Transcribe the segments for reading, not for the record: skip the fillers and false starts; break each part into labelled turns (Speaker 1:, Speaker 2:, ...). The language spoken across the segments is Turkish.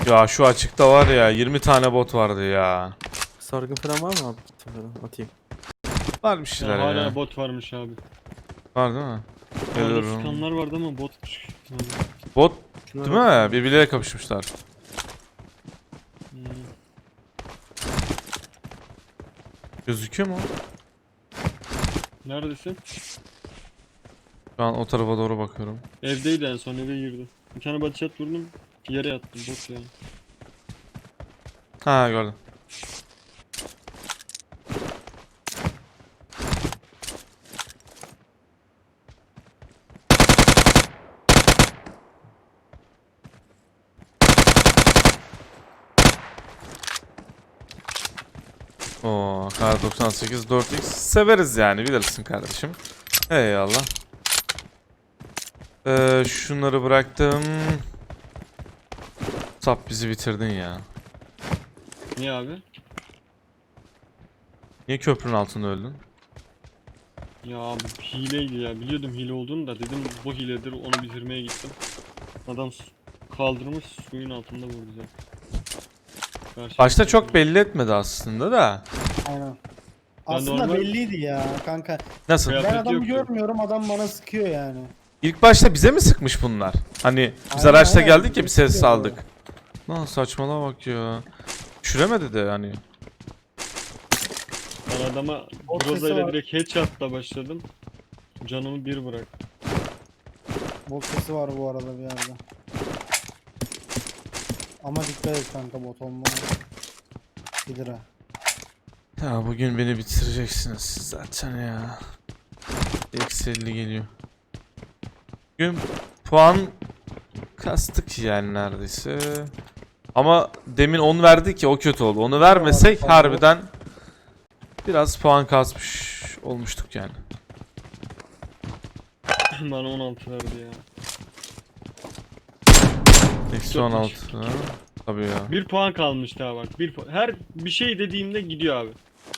Speaker 1: Ya şu açıkta var ya 20 tane bot vardı ya.
Speaker 2: Sargı falan var mı abi? Git falan atayım.
Speaker 1: Var bir şeyler
Speaker 3: Ya hala
Speaker 1: ya.
Speaker 3: bot varmış abi.
Speaker 1: Var değil mi?
Speaker 3: Orada
Speaker 1: Geliyorum.
Speaker 3: sıkanlar vardı ama botmuş.
Speaker 1: Bot
Speaker 2: Şuna
Speaker 1: değil
Speaker 2: baksana.
Speaker 1: mi? Birbirleriyle kapışmışlar.
Speaker 3: Hmm.
Speaker 1: Gözüküyor mu?
Speaker 3: Neredesin?
Speaker 1: Şu an o tarafa doğru bakıyorum.
Speaker 3: Evdeydi, en son eve girdi. Bir tane body shot vurdum. Yere yattım, bot yani.
Speaker 1: Ha gördüm. Oo, kar 98 4x severiz yani bilirsin kardeşim. Eyvallah. Şunları bıraktım. Sap bizi bitirdin ya.
Speaker 3: Niye abi?
Speaker 1: Niye köprünün altında öldün?
Speaker 3: Ya abi hileydi ya. Biliyordum hile olduğunu da, dedim bu hiledir, onu bitirmeye gittim. Adam kaldırmış, suyun altında vurdu zaten.
Speaker 1: Başta çok belli etmedi aslında da.
Speaker 4: Aynen. Aslında
Speaker 3: normal-
Speaker 4: belliydi ya kanka.
Speaker 1: Nasıl?
Speaker 3: Kıyafet
Speaker 4: Ben adamı
Speaker 3: yoktu.
Speaker 4: görmüyorum, adam bana sıkıyor yani.
Speaker 1: İlk başta bize mi sıkmış bunlar? Hani biz
Speaker 4: Aynen,
Speaker 1: araçta
Speaker 4: aynen.
Speaker 1: geldik ya bir ses
Speaker 4: Sıkıyor
Speaker 1: saldık. Lan saçmalama bak ya. Düşüremedi de hani.
Speaker 3: Ben adama
Speaker 4: O
Speaker 3: Groza
Speaker 4: sesi
Speaker 3: ile
Speaker 4: var.
Speaker 3: direkt headshot'la başladım. Canımı bir bırak.
Speaker 4: Bot sesi var bu arada bir yerde. Ama dikkat et kanka, bot olma. Bilir ha.
Speaker 1: Ya bugün beni bitireceksiniz siz zaten ya. Eksi 50 geliyor. Bugün puan kastık yani neredeyse. Ama demin 10 verdik ya, o kötü oldu. Onu vermesek
Speaker 4: Tamam.
Speaker 1: harbiden biraz puan kasmış olmuştuk yani.
Speaker 3: Bana 16 verdi ya.
Speaker 1: Eksi
Speaker 3: Çok
Speaker 1: 16. Tabii ya.
Speaker 3: Bir puan kalmış daha bak. Her bir şey dediğimde gidiyor abi.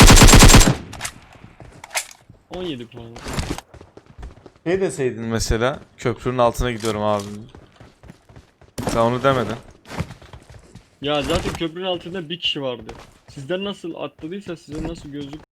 Speaker 3: 17 puan.
Speaker 1: Ne deseydin mesela? Köprünün altına gidiyorum abi. Sen onu demedin.
Speaker 3: Ya zaten köprünün altında bir kişi vardı. Sizden nasıl atladıysa size nasıl gözlük